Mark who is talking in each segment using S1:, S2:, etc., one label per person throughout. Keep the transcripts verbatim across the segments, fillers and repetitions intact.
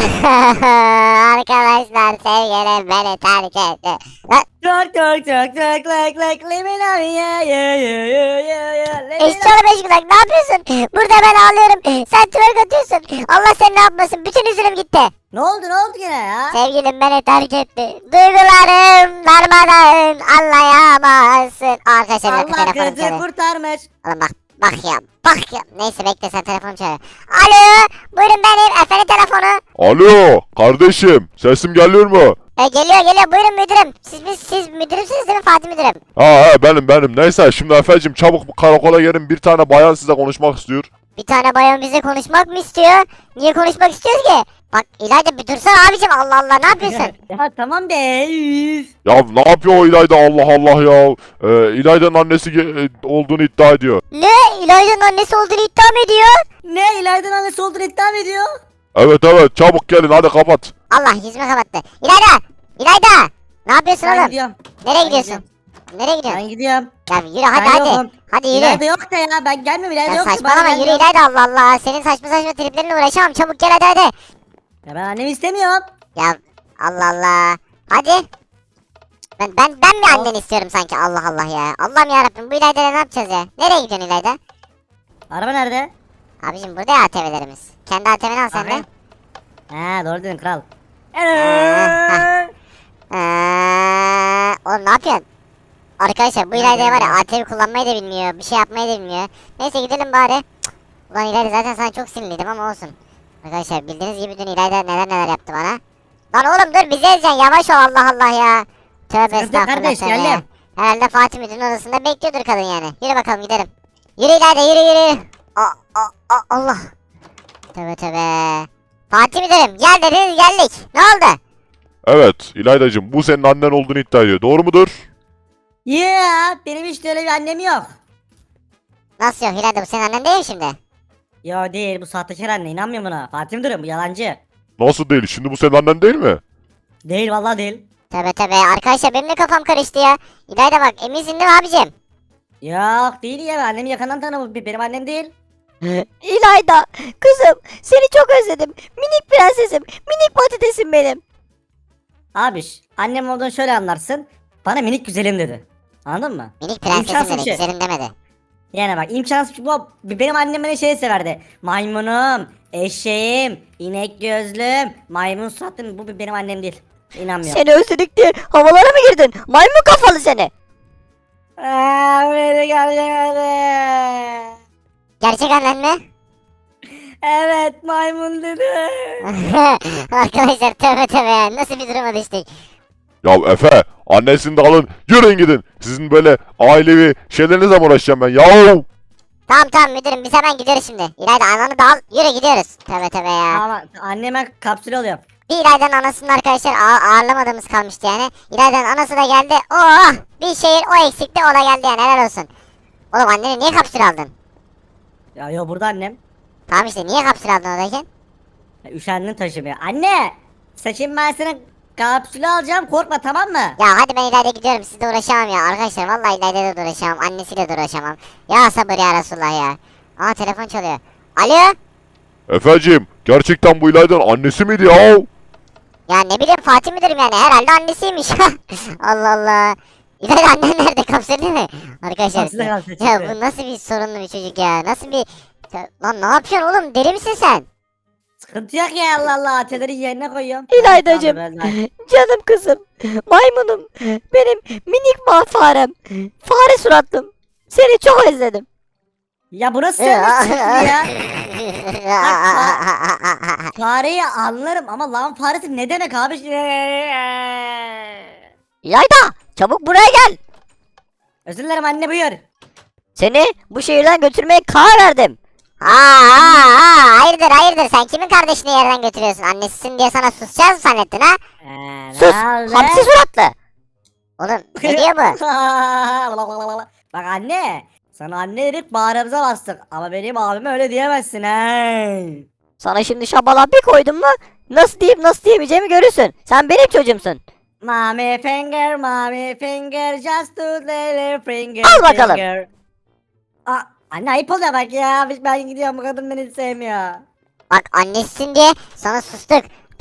S1: Arkadaşlar sevgilim beni terk etti. Lan,
S2: Çok çok çok çok like like let me love you yeah yeah yeah yeah yeah yeah let me
S1: eşçi oğlum eşki kulak ne yapıyorsun? Burada ben ağlıyorum. Sen twerk atıyorsun. Allah seni ne yapmasın. Bütün üzülüm gitti.
S2: Ne oldu ne oldu gene ya?
S1: Sevgilim beni terk etti. Duygularım darmadağın anlayamazsın. Arkadaşlar bir dakika
S2: Allah
S1: telefonum
S2: kızı
S1: çalıyor.
S2: kurtarmış.
S1: Oğlum bak bak ya bak ya. Neyse bekle sen telefonum çalıyor. Alo buyurun benim efendim telefonu.
S3: Alo kardeşim sesim geliyor mu?
S1: E, geliyor geliyor buyurun müdürüm. Siz biz siz müdürümsünüz değil mi Fatih müdürüm?
S3: Ha he benim benim neyse şimdi Efe'cim çabuk bu karakola gelin bir tane bayan size konuşmak istiyor.
S1: Bir tane bayan bize konuşmak mı istiyor? Niye konuşmak istiyoruz ki? Bak İlayda bir dursana abicim Allah Allah ne yapıyorsun?
S2: Ya tamam be. üf.
S3: Ya ne yapıyor o İlayda Allah Allah ya. Ee, İlayda'nın annesi ge- e, olduğunu iddia ediyor.
S1: Ne? İlayda'nın annesi olduğunu iddia mı ediyor?
S2: Ne İlayda'nın annesi olduğunu iddia mı ediyor?
S3: Evet evet çabuk gelin hadi kapat.
S1: Allah yüzüme kapattı. İlayda! İlayda! Ne yapıyorsun
S2: Ben
S1: oğlum?
S2: gidiyorum.
S1: Nereye
S2: ben
S1: gidiyorsun?
S2: gidiyorum.
S1: Nereye gidiyorsun?
S2: Ben gidiyorum.
S1: Ya yürü hadi
S2: Ben
S1: hadi.
S2: yokum.
S1: Hadi yürü.
S2: İlayda yok da ya ben gelmiyorum İlayda
S1: Ya
S2: yok. da,
S1: saçmalama
S2: bana
S1: yürü
S2: gelmiyor.
S1: İlayda Allah Allah. Senin saçma saçma triplerinle uğraşamam. Çabuk gel hadi hadi.
S2: Ya ben annemi istemiyorum.
S1: Ya Allah Allah. Hadi. Ben ben ben mi anneni istiyorum sanki Allah Allah ya. Allah'ım yarabbim bu İlayda'yla ne yapacağız ya? Nereye gidiyorsun İlayda?
S2: Araba nerede?
S1: Abicim burada ya A T V'lerimiz. Kendi A T V'ni al sen de.
S2: Bakayım. He doğru dedin kral.
S1: heh. Eee, oğlum ne yapıyorsun? Arkadaşlar bu İlayda var ya A T V kullanmayı da bilmiyor. Bir şey yapmayı da bilmiyor. Neyse gidelim bari. Cık. Ulan İlayda zaten sana çok sinirliydim ama olsun. Arkadaşlar bildiğiniz gibi dün İlayda neler neler yaptı bana. Lan oğlum dur bizi ezeceksin yavaş ol Allah Allah ya. Tövbe
S2: Sıkıntı yok
S1: estağfurullah
S2: kardeş,
S1: tövbe ya.
S2: geldim.
S1: Herhalde Fatih Müdür'ün odasında bekliyordur kadın yani. Yürü bakalım gidelim. Yürü İlayda yürü yürü. Aa, aa, aa, Allah. Tövbe tövbe. Fatih Müdürüm gel dediniz geldik. Ne oldu?
S3: Evet İlayda'cığım bu senin annen olduğunu iddia ediyor doğru mudur?
S2: Yeah benim hiç de öyle bir annem yok.
S1: Nasıl yok İlayda bu senin annen değil mi şimdi?
S2: Yo değil bu sahtekar anne inanmıyorum buna. Fatih Müdürüm bu yalancı.
S3: Nasıl değil şimdi bu senin annen değil mi?
S2: Değil vallahi değil.
S1: Tövbe tövbe arkadaşlar benim de kafam karıştı ya. İlayda bak eminsin değil mi abicim?
S2: Yok değil ya ben annemi yakından tanımam benim annem değil.
S4: İlayda, kızım seni çok özledim. Minik prensesim, minik patatesim benim.
S2: Abiş annem olduğunu şöyle anlarsın. Bana minik güzelim dedi. Anladın mı?
S1: Minik prensesim
S2: İmkansız
S1: dedi
S2: bir şey.
S1: güzelim demedi.
S2: Yani bak imkansız bu benim annem beni şey severdi. Maymunum, eşeğim, inek gözlüm, maymun suratım bu benim annem değil. İnanmıyorum.
S4: Seni özledik diye havalara mı girdin? Maymun kafalı seni.
S2: Aa, beni gelmedi.
S1: Gerçek annen mi?
S2: Evet maymun dedi.
S1: Arkadaşlar tövbe tövbe ya nasıl bir duruma düştük.
S3: Ya Efe annesini de alın yürüyün gidin. Sizin böyle ailevi şeylerinizle mi uğraşacağım ben yahu?
S1: Tamam tamam müdürüm biz hemen gidiyoruz şimdi. İlayda ananı da al yürü gidiyoruz. Tövbe tövbe ya.
S2: Ama anneme kapsül oluyor.
S1: Bir İlayda'nın anasının arkadaşlar ağa- ağırlamadığımız kalmıştı yani. İlayda'nın anası da geldi. Oh bir şehir o eksikti o da geldi yani helal olsun. Oğlum annene niye kapsül aldın?
S2: Ya yo burada annem.
S1: Tamam işte niye kapsül aldın oradayken?
S2: Ya, üşendim taşımaya. Anne! Saçım ben sana kapsülü alacağım korkma tamam mı?
S1: Ya hadi ben İlayda gidiyorum sizle uğraşamam ya arkadaşlar vallahi İlayda'yla da uğraşamam annesiyle de uğraşamam. Ya sabır ya Resulullah ya. Aa telefon çalıyor. Alo?
S3: Efeciğim gerçekten bu İlayda'nın annesi miydi ya?
S1: Ya ne bileyim Fatih müdürüm yani herhalde annesiymiş. Allah Allah. İlayda annen nerede kapsül değil mi? Arkadaşlar
S2: Kapsülde kalsın,
S1: ya
S2: çıktı.
S1: bu nasıl bir sorunlu bir çocuk ya nasıl bir... Lan ne yapıyorsun oğlum deli misin sen?
S2: Sıkıntı yok ya Allah Allah atölyeleri yerine koyuyorum.
S4: İlaydacığım,
S2: Tamam, ben de-
S4: canım kızım, maymunum, benim minik ma farem, fare suratlım. Seni çok özledim.
S2: Ya bu nasıl sövmüş ya? Fareyi anlarım ama lan faresi ne demek abi?
S4: İlayda, çabuk buraya gel.
S2: Özür dilerim anne buyur.
S4: Seni bu şehirden götürmeye karar verdim.
S1: Aa, aa, aa, hayırdır hayırdır sen kimin kardeşini yerden götürüyorsun? Annesisin diye sana susacağız mı zannettin ha?
S2: Ee, ne
S4: Sus,
S2: oldu?
S4: hamsi suratlı.
S1: Oğlum ne diyor bu?
S2: Bak anne. Sana anne dedik bağrımıza bastık. Ama benim abime öyle diyemezsin he.
S4: Sana şimdi şabala bir koydum mu nasıl diyeyim nasıl diyemeyeceğimi görürsün. Sen benim çocuğumsun.
S2: Mommy finger, mommy finger, just to little finger.
S4: Al bakalım.
S2: Finger. Aa, anne ayıp oluyor bak ya. Ben gidiyorum bu kadın beni hiç sevmiyor.
S1: Bak annesisin diye sana sustuk.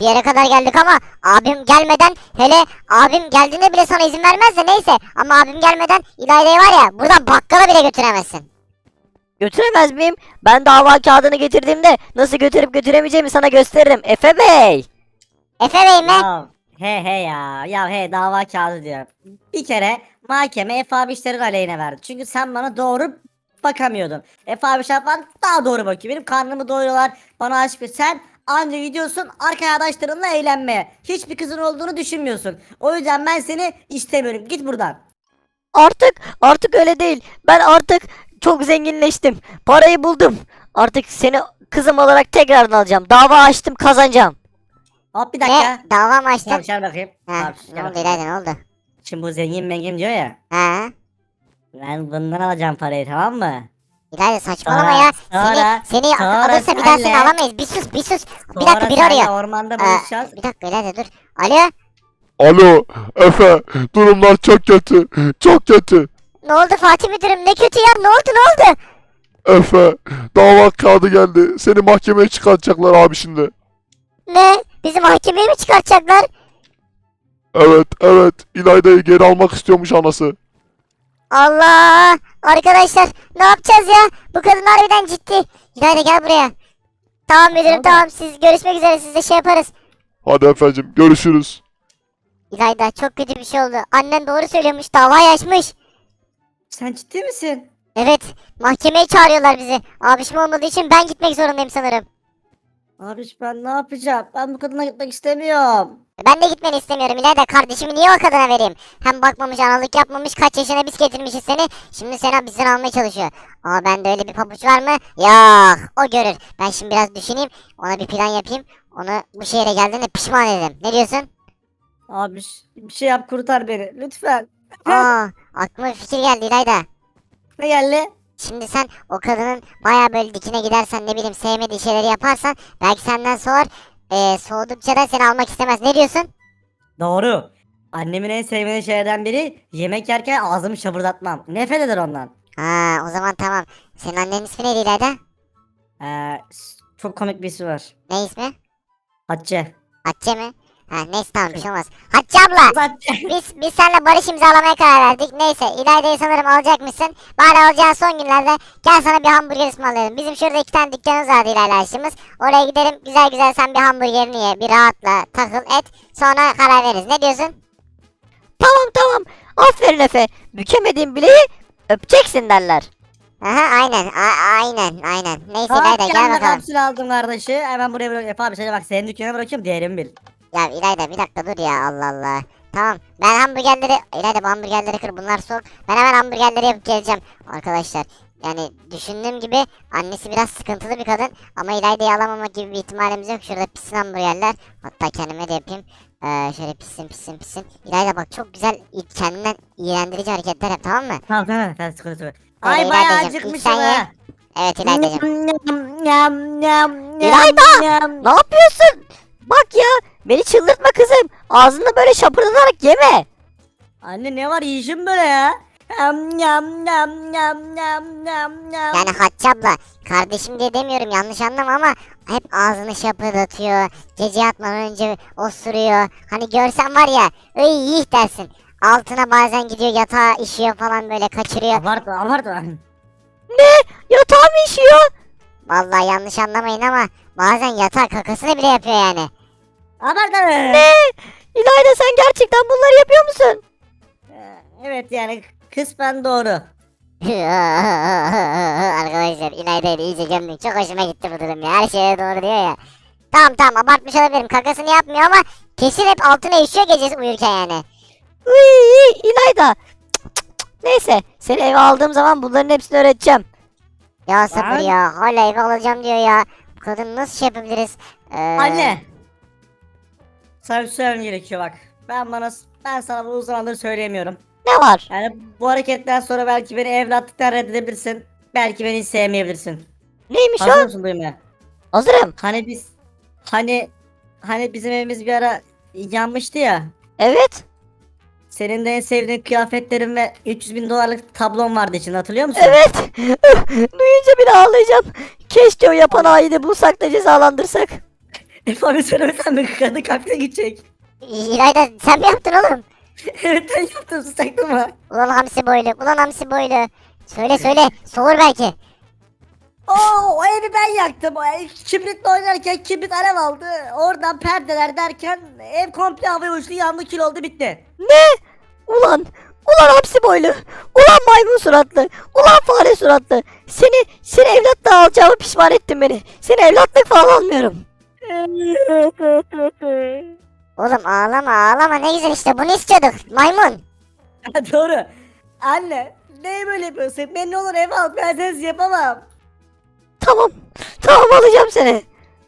S1: bir yere kadar geldik ama abim gelmeden, hele abim geldiğinde bile sana izin vermez de neyse. Ama abim gelmeden İlayda'yı var ya buradan bakkala bile götüremezsin.
S4: Götüremez miyim? Ben dava kağıdını getirdiğimde nasıl götürüp götüremeyeceğimi sana gösteririm Efe Bey.
S1: Efe Bey mi?
S2: Ya he he ya. Ya he dava kağıdı diyor. Bir kere mahkeme Efe abi işlerin aleyhine verdi. Çünkü sen bana doğru bakamıyordun. Efe abi şapan daha doğru bakıyor. Benim karnımı doyuruyorlar. Bana aşk sen anca gidiyorsun arkadaşlarınla eğlenmeye. Hiçbir kızın olduğunu düşünmüyorsun. O yüzden ben seni istemiyorum. Git buradan.
S4: Artık artık öyle değil. Ben artık çok zenginleştim. Parayı buldum. Artık seni kızım olarak tekrardan alacağım. Dava açtım, kazanacağım.
S2: Hop bir dakika.
S1: Ne? Dava mı açtın?
S2: Tamam şöyle bakayım.
S1: Ha,
S2: Tamam,
S1: ne
S2: şöyle
S1: oldu
S2: bakayım.
S1: İlayda, ne oldu?
S2: Şimdi bu zengin mengin diyor ya.
S1: Ha?
S2: Ben bundan alacağım parayı, tamam mı?
S1: İlayda saçmalama
S2: Sonra-
S1: ya.
S2: sonra-
S1: seni seni
S2: sonra
S1: alırsa bir daha seni
S2: senle-
S1: alamayız. Bir sus bir sus. Bir
S2: Sonra
S1: dakika biri
S2: seninle
S1: arıyor.
S2: ormanda
S1: Ee,
S2: buluşacağız.
S1: bir dakika İlayda dur. Alo.
S3: Alo Efe, durumlar çok kötü, çok kötü.
S1: Ne oldu Fatih müdürüm, ne kötü ya, ne oldu ne oldu?
S3: Efe, dava kağıdı geldi. Seni mahkemeye çıkartacaklar abi şimdi.
S1: Ne? Bizi mahkemeye mi çıkartacaklar?
S3: Evet, evet. İlayda'yı geri almak istiyormuş anası.
S1: Allah! Arkadaşlar ne yapacağız ya? Bu kadın harbiden ciddi. İlayda gel buraya. Tamam müdürüm
S2: Oldu.
S1: tamam, siz görüşmek üzere, siz de şey yaparız.
S3: Hadi efendim, görüşürüz.
S1: İlayda çok kötü bir şey oldu. Annen doğru söylüyormuş, davayı açmış.
S2: Sen ciddi misin?
S1: Evet, mahkemeye çağırıyorlar bizi. Abişim olmadığı için ben gitmek zorundayım sanırım.
S2: Abi ben ne yapacağım? Ben bu kadına gitmek istemiyorum.
S1: Ben de gitmeni istemiyorum İlayda. Kardeşimi niye o kadına vereyim? Hem bakmamış, analık yapmamış, kaç yaşına biz getirmişiz seni. Şimdi seni bizden almaya çalışıyor. Ama bende öyle bir pabuç var mı? Yok. O görür. Ben şimdi biraz düşüneyim. Ona bir plan yapayım. Onu bu şehre geldiğinde pişman ederim. Ne diyorsun?
S2: Abi bir şey yap, kurtar beni lütfen.
S1: Aa, aklıma bir fikir geldi İlayda.
S2: Ne geldi?
S1: Şimdi sen o kadının baya böyle dikine gidersen, ne bileyim sevmediği şeyleri yaparsan belki senden soğur. Ee, soğudukça da seni almak istemez. Ne diyorsun?
S2: Doğru. Annemin en sevmediği şeylerden biri yemek yerken ağzımı şapırdatmam. Nefret eder ondan.
S1: Ha, o zaman tamam. Senin annenin ismi neydi İlayda?
S2: Ee, s- çok komik bir ismi var.
S1: Ne ismi?
S2: Hatice.
S1: Hatice mi? Ha neyse tamam, bir şey olmaz. Hatice abla,
S2: Hatice.
S1: biz biz seninle barış imzalamaya karar verdik. Neyse İlayda'yı sanırım alacakmışsın. Bari alacağın son günlerde gel sana bir hamburger ısmarlayalım. Bizim şurada iki tane dükkanımız vardı İlayda aşçımız. Oraya gidelim, güzel güzel sen bir hamburgerini ye. Bir rahatla takıl et. Sonra karar veririz. Ne diyorsun?
S4: Tamam tamam. Aferin Efe. Bükemediğin bileği öpeceksin derler.
S1: Aha aynen a- aynen aynen. Neyse İlayda gel
S2: Kendime
S1: bakalım.
S2: kapsül aldım kardeşi. Hemen buraya bırak. Efe abi sana bak, senin dükkana bırakıyorum, değerimi bil.
S1: Ya İlayda bir dakika dur ya, Allah Allah. Tamam ben hamburgerleri, İlayda bu hamburgerleri kır, bunlar soğuk. Ben hemen hamburgerleri yapıp geleceğim arkadaşlar. Yani düşündüğüm gibi annesi biraz sıkıntılı bir kadın. Ama İlayda'yı alamamak gibi bir ihtimalimiz yok. Şurada pişsin hamburgerler. Hatta kendime de yapayım. Ee, şöyle pişsin pişsin pişsin. İlayda bak çok güzel kendinden iğrendirici hareketler yap, tamam mı?
S2: Tamam tamam sen sıkıntı yok.
S1: Hadi
S2: Ay bayağı
S1: İlaydacığım, ilk
S2: acıkmışım
S1: sen ye.
S2: ha.
S1: Evet İlayda'cığım.
S2: Nyam, nyam, nyam,
S4: İlayda!
S2: nyam.
S4: Ne yapıyorsun? Bak ya. Beni çıldırtma kızım. Ağzını böyle şapırdatarak yeme.
S2: Anne ne var, yiyişim böyle ya. Nyam, nyam, nyam, nyam, nyam, nyam, nyam.
S1: Yani Hatice abla kardeşim diye demiyorum, yanlış anlama ama hep ağzını şapırdatıyor. Gece yatmadan önce osuruyor. Hani görsen var ya öyle yih dersin. Altına bazen gidiyor yatağa işiyor falan, böyle kaçırıyor.
S2: Abartma abartma.
S4: Yatağı mı işiyor?
S1: Vallahi yanlış anlamayın ama bazen yatağa kakasını bile yapıyor yani.
S2: Abartma.
S4: Ne? İlayda sen gerçekten bunları yapıyor musun?
S2: Ee, Evet yani kısmen doğru.
S1: Arkadaşlar İlayda'yı da iyice gömdük. Çok hoşuma gitti bu durum ya. Her şeye doğru diyor ya. Tamam tamam abartmış olabilirim. Kakasını yapmıyor ama kesin hep altına işiyor gecesi uyurken yani.
S4: Uy, İlayda. Cık, cık, cık. Neyse seni eve aldığım zaman bunların hepsini öğreteceğim.
S1: Ya sabır
S2: Ben-
S1: ya. Hala eve alacağım diyor ya. Bu kadın nasıl şey yapabiliriz? Ee,
S2: Anne. Sana bir şey söylemem gerekiyor bak. Ben bana ben sana bu uzun zamandır söyleyemiyorum.
S4: Ne var?
S2: Yani bu hareketten sonra belki beni evlatlıktan reddedebilirsin. Belki beni hiç sevmeyebilirsin.
S4: Neymiş
S2: Hazır
S4: o?
S2: mısın duymaya?
S4: Hazırım.
S2: Hani biz hani hani bizim evimiz bir ara yanmıştı ya.
S4: Evet.
S2: Senin de en sevdiğin kıyafetlerin ve üç yüz bin dolarlık tablon vardı içinde, hatırlıyor musun?
S4: Evet. Duyunca bile ağlayacağım. Keşke o yapan haini bulsak da cezalandırsak.
S2: Efe abi söylemesen mi kadın kalpte gidecek?
S1: İlayda sen mi yaptın oğlum?
S2: Evet ben yaptım sus taktırma.
S1: Ulan hamsi boylu, ulan hamsi boylu. Söyle söyle, soğur belki.
S2: Oo o evi ben yaktım. O ev kibritle oynarken kibrit alev aldı. Oradan perdeler derken ev komple havaya uçtu yandı kül oldu bitti.
S4: Ne? Ulan, ulan hapsi boylu, ulan maymun suratlı, ulan fare suratlı. Seni, seni evlatla alacağımı pişman ettin beni. Seni evlatlık falan almıyorum.
S1: Oğlum ağlama ağlama, ne güzel işte, bunu istiyorduk maymun.
S2: Doğru. Anne neye böyle yapıyorsun? Ben ne olur eve al ben sensiz yapamam.
S4: Tamam, tamam alacağım seni.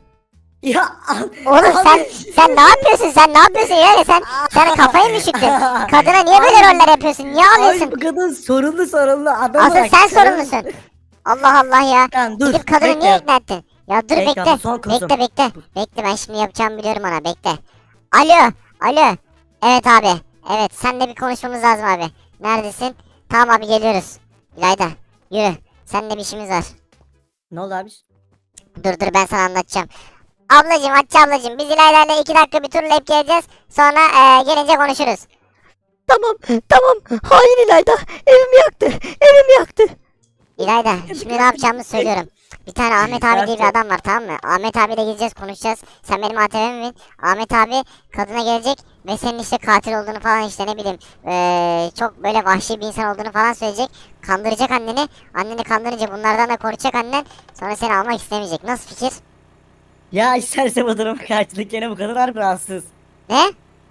S2: Ya al.
S1: Oğlum
S2: Abi.
S1: sen sen ne yapıyorsun, sen ne yapıyorsun yani, sen sen kafayı mı üşüttün? Kadına niye böyle roller yapıyorsun, niye
S2: Ay
S1: ağlıyorsun?
S2: bu kadın sorunlu sorunlu adam
S1: Asıl
S2: olarak
S1: sen
S2: sorunlu.
S1: sorumlusun. Allah Allah ya.
S2: Lan dur.
S1: Gidip kadını
S2: bekle.
S1: niye ikna ettin? Ya dur
S2: Bekle,
S1: bekle.
S2: bu son kızım.
S1: Bekle bekle. Bekle, ben şimdi yapacağımı biliyorum ona, bekle. Alo. Alo. Evet abi. Evet, seninle bir konuşmamız lazım abi. Neredesin? Tamam abi, geliyoruz. İlayda yürü. Seninle bir işimiz var.
S2: Ne oldu abi?
S1: Dur dur, ben sana anlatacağım. Ablacım, Hatice ablacım, biz İlayda'yla iki dakika bir turlayıp geleceğiz. Sonra eee, gelince konuşuruz.
S4: Tamam, tamam. Hain İlayda, evimi yaktı, evimi yaktı.
S1: İlayda, şimdi ne yapacağımızı söylüyorum. Bir tane Ahmet abi diye bir adam var, tamam mı? Ahmet abiyle gideceğiz, konuşacağız. Sen benim A T V'mi bin. Ahmet abi kadına gelecek ve senin işte katil olduğunu falan, işte ne bileyim eee, çok böyle vahşi bir insan olduğunu falan söyleyecek. Kandıracak anneni. Anneni kandırınca bunlardan da koruyacak annen. Sonra seni almak istemeyecek. Nasıl fikir?
S2: Ya isterse bu durum karşılık gene bu kadın harbi rahatsız.
S1: Ne?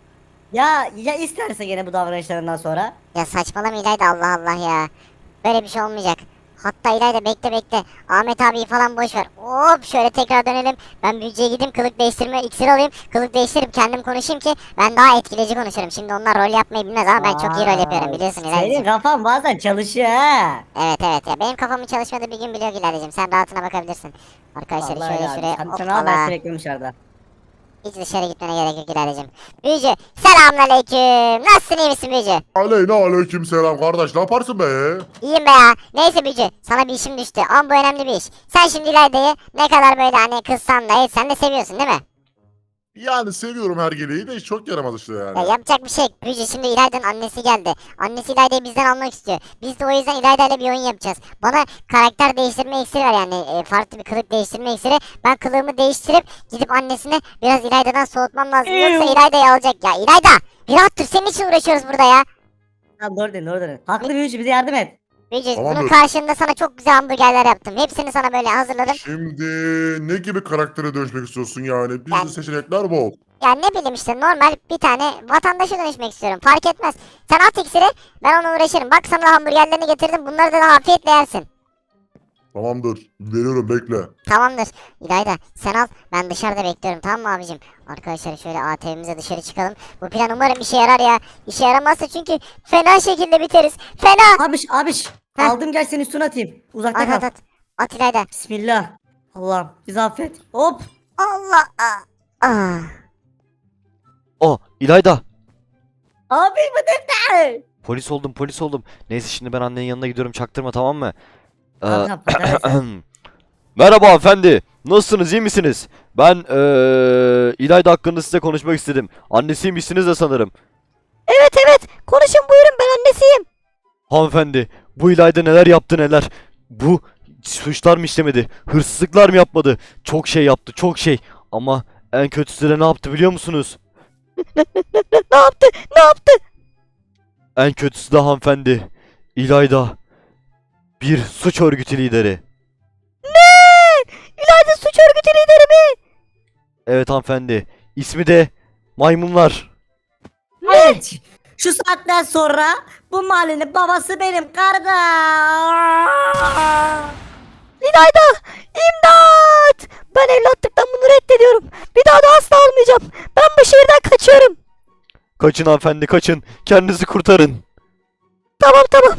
S2: Ya ya isterse gene bu davranışlarından sonra.
S1: Ya saçmalama İlayda, Allah Allah ya. Böyle bir şey olmayacak. Hatta İlayda bekle bekle. Ahmet abiyi falan boş ver. Hop şöyle tekrar dönelim. Ben büyücüye gideyim, kılık değiştirme iksir alayım. Kılık değiştirip kendim konuşayım ki ben daha etkileyici konuşurum. Şimdi onlar rol yapmayı bilmez ama ben çok iyi rol yapıyorum, biliyorsun
S2: Senin
S1: İlayda'cığım.
S2: kafan bazen çalışıyor ha.
S1: Evet evet ya, benim kafamın çalışmadığı bir gün biliyor İlayda'cığım. Sen rahatına bakabilirsin. Arkadaşlar
S2: Vallahi
S1: şöyle
S2: ya,
S1: şuraya
S2: Sen, sen al ben
S1: hoppala.
S2: sürekli dışarıda.
S1: Hiç dışarı gitmene gerek yok İlayda'cığım. Büyücü selamünaleyküm. Nasılsın, iyi misin büyücü?
S5: Aleyna aleyküm selam kardeş, ne yaparsın be?
S1: İyiyim be ya. Neyse büyücü, sana bir işim düştü ama bu önemli bir iş. Sen şimdi İlayda'yı ne kadar böyle hani kızsan da etsen de seviyorsun değil mi?
S5: Yani seviyorum her geleği de çok yaramaz işte yani.
S1: Ya yapacak bir şey yok. Büyücü, şimdi İlayda'nın annesi geldi. Annesi İlayda'yı bizden almak istiyor. Biz de o yüzden İlayda'yla bir oyun yapacağız. Bana karakter değiştirme iksiri ver, yani e, farklı bir kılık değiştirme iksiri. Ben kılığımı değiştirip gidip annesine biraz İlayda'dan soğutmam lazım. Yoksa İlayda'yı alacak ya. İlayda bir rahat dur, senin için uğraşıyoruz burada ya.
S2: Tamam doğru dedin doğru dedin. Haklı büyücü bize yardım et.
S1: Büyücü,
S5: Tamamdır.
S1: bunun karşılığında sana çok güzel hamburgerler yaptım. Hepsini sana böyle hazırladım.
S5: Şimdi ne gibi karaktere dönüşmek istiyorsun yani? Bizde
S1: Ben-
S5: seçenekler bol.
S1: Ya ne bileyim işte, normal bir tane vatandaşa dönüşmek istiyorum. Fark etmez. Sen at iksiri, ben ona uğraşırım. Bak sana da hamburgerlerini getirdim. Bunları da afiyetle yersin.
S5: Tamamdır, veriyorum bekle.
S1: Tamamdır. İlayda sen al, ben dışarıda bekliyorum, tamam mı abicim? Arkadaşlar şöyle A T V'mize dışarı çıkalım. Bu plan umarım işe yarar ya. İşe yaramazsa çünkü fena şekilde biteriz. Fena.
S2: Abiş abiş.
S1: Heh.
S2: Aldım gel seni üstüne atayım. Uzakta
S1: At
S2: kal.
S1: at at. At İlayda.
S2: Bismillah. Allah'ım bizi affet. Hop.
S1: Allah. Aa. Aa.
S6: Oh İlayda.
S2: Abi bu defter.
S6: Polis oldum polis oldum. Neyse şimdi ben annenin yanına gidiyorum çaktırma tamam mı? Ee,
S2: Tamam, tamam, patates.
S6: Merhaba hanımefendi. Nasılsınız iyi misiniz? Ben ee, İlayda hakkında size konuşmak istedim. Annesiymişsiniz de sanırım.
S4: Evet evet, konuşun buyurun, ben annesiyim.
S6: Hanımefendi bu İlayda neler yaptı neler. Bu suçlar mı işlemedi? Hırsızlıklar mı yapmadı? Çok şey yaptı çok şey. Ama en kötüsü de ne yaptı biliyor musunuz?
S4: Ne yaptı, ne yaptı?
S6: En kötüsü de hanımefendi. İlayda bir suç örgütü lideri.
S4: İlayda suç örgütü lideri mi?
S6: Evet hanımefendi. İsmi de Maymunlar.
S2: Evet. Şu saatten sonra bu mahallenin babası benim kardeş.
S4: İlayda, imdat! Ben evlatlıktan bunu reddediyorum. Bir daha da asla almayacağım. Ben bu şehirden kaçıyorum.
S6: Kaçın hanımefendi kaçın. Kendinizi kurtarın.
S4: Tamam tamam.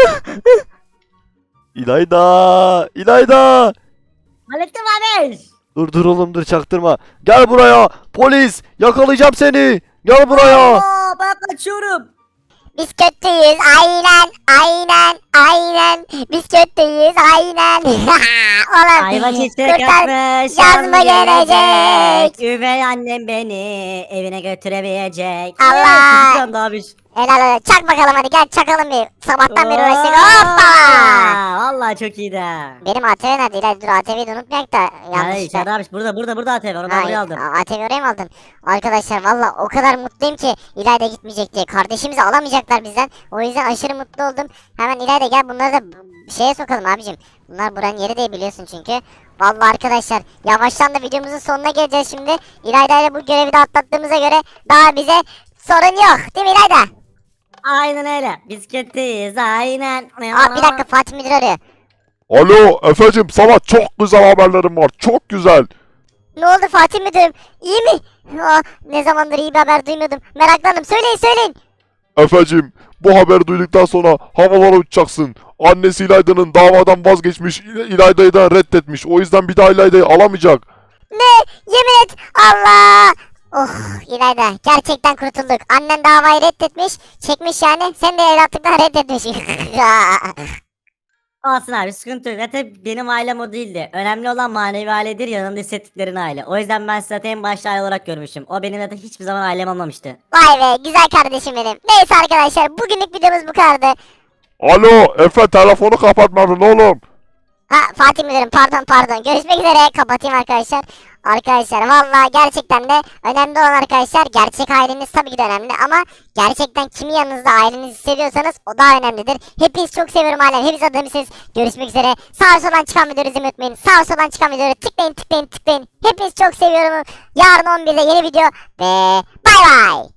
S6: İlayda! İlayda!
S2: Hallettim abi.
S6: Dur dur oğlum dur çaktırma. Gel buraya. Polis! Yakalayacağım seni. Gel buraya.
S2: Aa, ben kaçıyorum.
S1: Biz kötüyüz aynen aynen aynen. Biz kötüyüz aynen. Oğlum
S2: Ayva çiçek
S1: kurtar-
S2: açmış.
S1: yazma
S2: yazma
S1: gelecek.
S2: Üvey annem beni evine götüremeyecek.
S1: Allah!
S2: Evet, çocuklar abi.
S1: Helal helal. Çak bakalım hadi gel çakalım bir. Sabahtan beri uğraştık.
S2: Hoppa!
S1: Hoppa.
S2: Vallahi çok iyiydi.
S1: Benim A T V nerede? İlayda dur A T V'yi de unutmayak da
S2: Hayır
S1: yanlışlıkla.
S2: Şerif abi burada burada burada A T V onu ben buraya aldım.
S1: A T V oraya mı aldın? Arkadaşlar valla o kadar mutluyum ki İlayda gitmeyecek diye. Kardeşimizi alamayacaklar bizden. O yüzden aşırı mutlu oldum. Hemen İlayda gel bunları da b- şeye sokalım abicim. Bunlar buranın yeri değil biliyorsun çünkü. Valla arkadaşlar yavaştan da videomuzun sonuna geleceğiz şimdi. İlayda ile bu görevi de atlattığımıza göre daha bize sorun yok. Değil mi İlayda?
S2: Aynen öyle. Biz kötüyüz aynen.
S1: Aa bir dakika Fatih Müdür arıyor.
S3: Alo Efe'cim, sana çok güzel haberlerim var. Çok güzel.
S1: Ne oldu Fatih Müdürüm? İyi mi? Aa, ne zamandır iyi bir haber duymuyordum. Meraklandım. Söyleyin söyleyin.
S3: Efe'cim, bu haberi duyduktan sonra havalara uçacaksın. Annesi İlayda'nın davadan vazgeçmiş, İ- İlayda'yı da reddetmiş. O yüzden bir daha İlayda'yı alamayacak.
S1: Ne? Yemin et. Allah. Oh İlayda gerçekten kurtulduk. Annen davayı reddetmiş. Çekmiş yani. Sen de evlatlıktan reddetmiş.
S2: Olsun abi sıkıntı yok. Zaten benim ailem o değildi. Önemli olan manevi ailedir, yanında hissettiklerin aile. O yüzden ben sizi zaten en başta aile olarak görmüşüm. O benim zaten hiçbir zaman ailem olmamıştı.
S1: Vay be güzel kardeşim benim. Neyse arkadaşlar bugünlük videomuz bu kadardı.
S3: Alo Efe, telefonu kapatmadın oğlum.
S1: Ha Fatih Müdürüm pardon pardon. Görüşmek üzere. Kapatayım arkadaşlar. Arkadaşlar valla gerçekten de önemli olan arkadaşlar gerçek aileniz tabii ki de önemli ama gerçekten kimi yanınızda ailenizi hissediyorsanız o daha önemlidir. Hepiniz çok seviyorum ailem. Hepiniz adamısınız. Görüşmek üzere. Sağ soldan çıkan videoları izlemeyi unutmayın. Sağ soldan çıkan videoları tıklayın tıklayın tıklayın. Hepiniz çok seviyorum. Yarın on birde yeni video ve bay bay.